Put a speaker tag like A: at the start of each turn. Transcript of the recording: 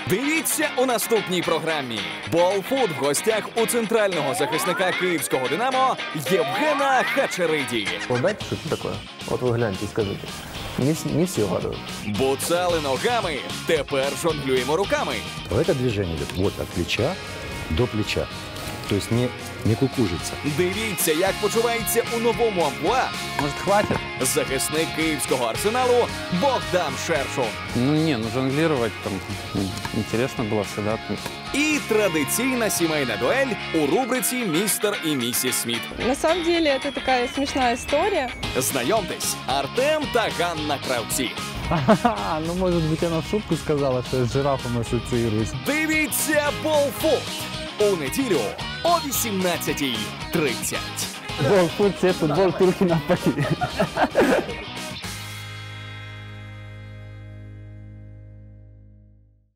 A: Дивіться у наступній програмі. Болфут в гостях у центрального захисника київського «Динамо» Євгена Хачериді.
B: Угадайте, что это такое? Вот вы гляньте и скажите. Не все угадывают.
A: Буцали ногами, тепер жонглюємо руками.
C: Это движение идет вот от плеча до плеча. То есть не кукужится.
A: Дивіться, як почувається у новому амплуа
D: Может, хватит?
A: захисник київського «Арсеналу» Богдан Шершун.
D: Ну жонглировать там интересно было всегда.
A: І традиційна сімейна дуель у рубриці «Містер і місіс Сміт».
E: На самом деле это такая смешная история.
A: Знайомтесь, Артем та Ганна Кравці.
F: Ну, может быть, она в шутку сказала, что я с жирафом ассоциируюсь.
A: Дивіться «Болфут» у неділю о 18:30.
F: Футбол, Турки на полі.